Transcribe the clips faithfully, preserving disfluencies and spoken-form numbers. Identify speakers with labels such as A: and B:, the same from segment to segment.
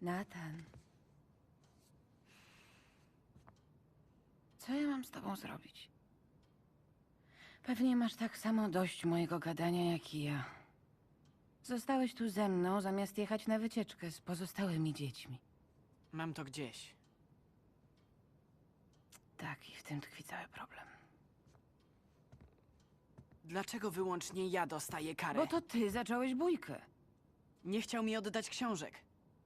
A: Nathan. Co ja mam z tobą zrobić? Pewnie masz tak samo dość mojego gadania jak i ja. Zostałeś tu ze mną, zamiast jechać na wycieczkę z pozostałymi dziećmi.
B: Mam to gdzieś.
A: Tak, i w tym tkwi cały problem.
B: Dlaczego wyłącznie ja dostaję karę?
A: Bo to ty zacząłeś bójkę.
B: Nie chciał mi oddać książek.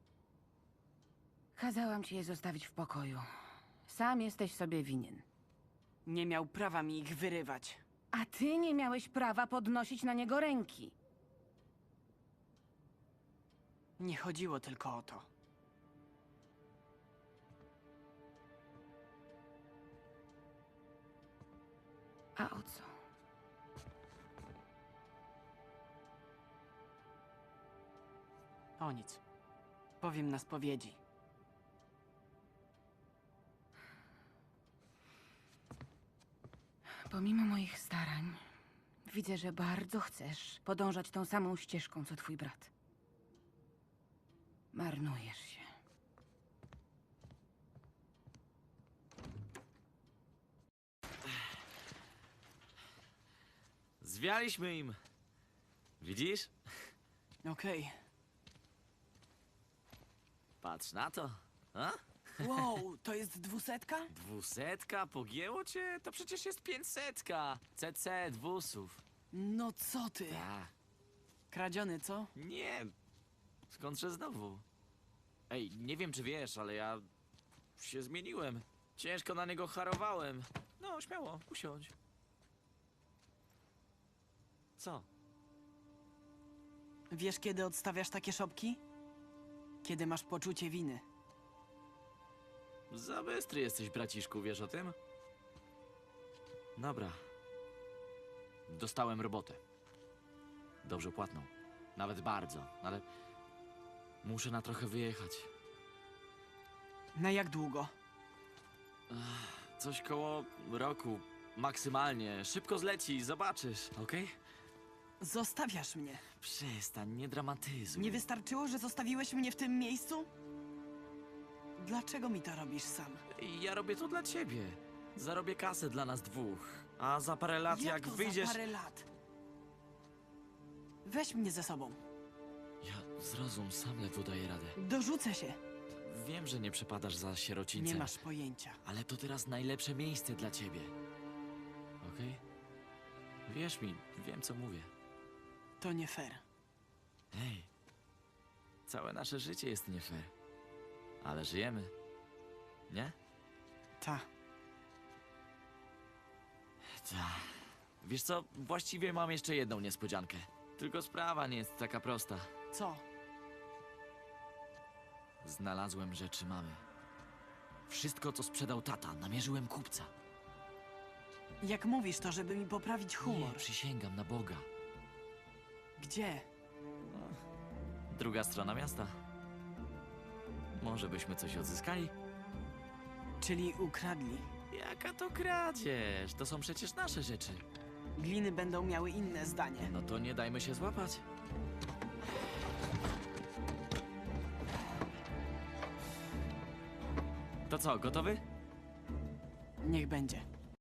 A: Kazałam ci je zostawić w pokoju. Sam jesteś sobie winien.
B: Nie miał prawa mi ich wyrywać.
A: A ty nie miałeś prawa podnosić na niego ręki.
B: Nie chodziło tylko o to.
A: A o co?
B: O nic. Powiem na spowiedzi.
A: Pomimo moich starań, widzę, że bardzo chcesz podążać tą samą ścieżką, co twój brat. Marnujesz się.
C: Zwialiśmy im. Widzisz?
B: Okej.
C: Patrz na to. A?
B: Wow, to jest dwusetka?
C: Dwusetka? Pogięło cię? To przecież jest pięćsetka. C C dwusów.
B: No co ty?
C: Ta.
B: Kradziony, co?
C: Nie. Skądże znowu? Ej, nie wiem czy wiesz, ale ja się zmieniłem. Ciężko na niego harowałem. No, śmiało, usiądź. Co?
B: Wiesz, kiedy odstawiasz takie szopki? Kiedy masz poczucie winy.
C: Za bystry jesteś, braciszku, wiesz o tym? Dobra. Dostałem robotę. Dobrze płatną. Nawet bardzo, ale muszę na trochę wyjechać.
B: Na jak długo?
C: Coś koło roku, maksymalnie. Szybko zleci, zobaczysz, okej?
B: Zostawiasz mnie.
C: Przestań, nie dramatyzuj.
B: Nie wystarczyło, że zostawiłeś mnie w tym miejscu? Dlaczego mi to robisz sam?
C: Ja robię to dla ciebie. Zarobię kasę dla nas dwóch. A za parę lat, jak,
B: to
C: wyjdziesz...
B: za parę lat? Weź mnie ze sobą.
C: Ja zrozum, sam ledwo daję radę.
B: Dorzucę się.
C: Wiem, że nie przepadasz za sierocińcem.
B: Nie masz pojęcia.
C: Ale to teraz najlepsze miejsce dla ciebie. Okej? Wierz mi, wiem co mówię.
B: To nie fair.
C: Hej, całe nasze życie jest nie fair. Ale żyjemy. Nie?
B: Ta.
C: Ta. Wiesz co, właściwie mam jeszcze jedną niespodziankę. Tylko sprawa nie jest taka prosta.
B: Co?
C: Znalazłem rzeczy mamy. Wszystko, co sprzedał tata, namierzyłem kupca.
B: Jak mówisz to, żeby mi poprawić humor?
C: Nie, przysięgam na Boga.
B: Gdzie?
C: Druga strona miasta. Może byśmy coś odzyskali?
B: Czyli ukradli.
C: Jaka to kradzież? To są przecież nasze rzeczy.
B: Gliny będą miały inne zdanie.
C: No to nie dajmy się złapać. To co, gotowy?
B: Niech będzie.